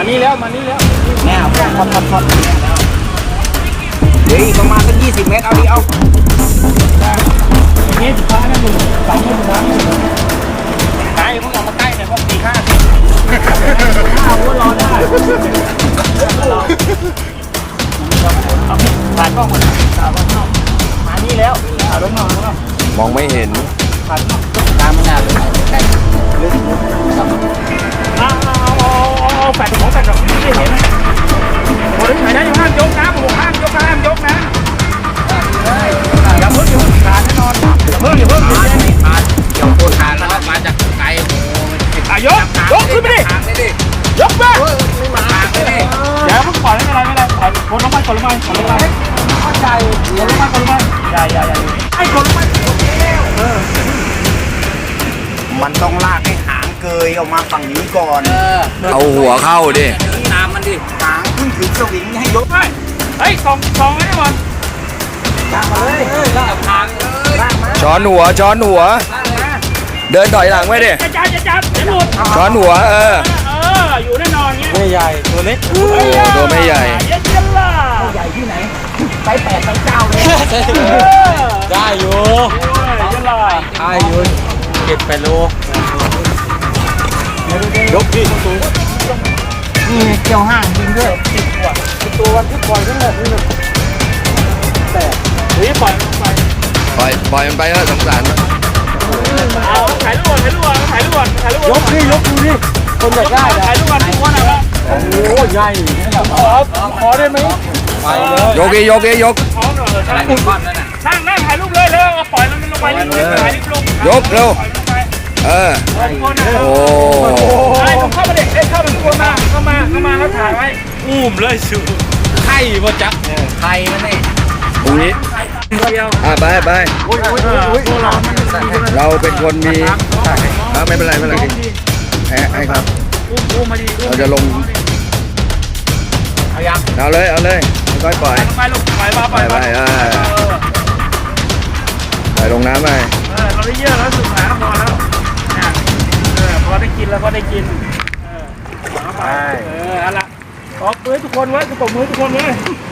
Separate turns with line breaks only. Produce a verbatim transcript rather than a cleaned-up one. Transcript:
มานี่แล้วมานี่แล้ว
แน่พอดพอดพอดพอดเดี๋ยวอีกประมาณสักยี่สิบเมตรเอาดิเอา
นี่สุดท้ายนะมึงสามคนสุดท้ายใกล้พวกเรามาใกล้เนี่ยพวกสี่ห้าสิบห้าก็รอได้ผ่านกล้องหมดผ่านกล้องมานี่แล้วผ่านรถนอนแล้ว
มองไม่เห็น
ผ่าน
ตามไม่นานเลยใกล้ลึก
เอาเอาเอาเอาแปดของแปดของไม่เห็นโอ้ยไหนนะอยู่ห้ามยกนะผมห้ามยกห้ามยกนะอย่าเพิ่งอย่าเพิ่งขาดแน่นอนอย่าเพิ่งอย่าเพิ่ง
มามาเกี่ยวโคนทานแล้วมาจากไกลโอ้
อ่ะยกยกขึ้นไปดิยกมา
ไม่มาทางเลยดิ
อย่าเพิ่งปล่อยไม่เป็นไรไม่เป็นไรปล่อยคนลงไปคนลงไปคนลงไปเข้าใจคนลงไปคนลงไปอย่าอย่าอย่าไอ้คนลงไป
มันต้องลากให้หางเกยออกมาฝั่งนี้ก่อน
เอาหัวเข้าดิ
ตามมันดิหางขึ้นถึงสวิงให้ยก
ไปเฮ้ยสองสองไอ้บอล
ลากมาเลยลากหางเลยลากมา
ช้อนหัวช้อนหัว เดินถอยหลังไว้ดิ
จะจับจะจับจะหลุด
ช้อนหัวเออ
เอออยู่แน่นอนเงี้ย
ไม่ใหญ่ตัวเล็ก
ตัวไม่ใหญ่
เย็นเย็นล่ะ
ใหญ่ที่ไหนไปแปดไปเก้าเลย
ได้อยู่เย็นล่ะ
ได้อยู่เจ็ดแปดโลยกดินี่เกี่ยวห้างจริงด้วยตัววันที่ปล่อยนั่นแหละนี่เลยแต่
เฮ้ยปล่อยปล่อย
ปล่อยปล่อยมันไปเถอะสงสารมัน
เอาถ่ายรูปถ่ายรูปถ่ายรูปถ่ายรูป
ยกดิยกดูดิคนอยากได้นะ
ถ่ายรูปทุกคนนะ
โอ้ใหญ่ขอขอได้ไหมไปเลย
ยกดิยกดิยก
พร้อมเลยใช่อุ่นก้อนนั่นน่ะนั่งนั่งถ่ายรูปเลยเลยปล่อยมันลงไปรีบลงถ่ายรีบลง
ยกเร็วเออโอ้
ไอ้เข้ามาเด็กเอ้เข้ามาทุกคนมาเข้ามาเข้ามาแล้วถ่ายไว้อุ้มเลยชูไข่บ่จัก
ไข่มันนี่
ตรงนี้อ่ะไปไปเราเป็นคนมีไม่เป็นไรไม่เป็นไรให้ให้ครับเราจะลงเอาเลยเอาเลยค่อยปล่อย
ไปลงไปมาไป
ไปไปไปลงน้ำไป
เออเราได้เยอะแล้วสุดท้ายพอแล้วเออพอได้กินแล้วพอได้กินเออไปเออเอาละตบมือทุกคนไว้ตบมือทุกคนไว้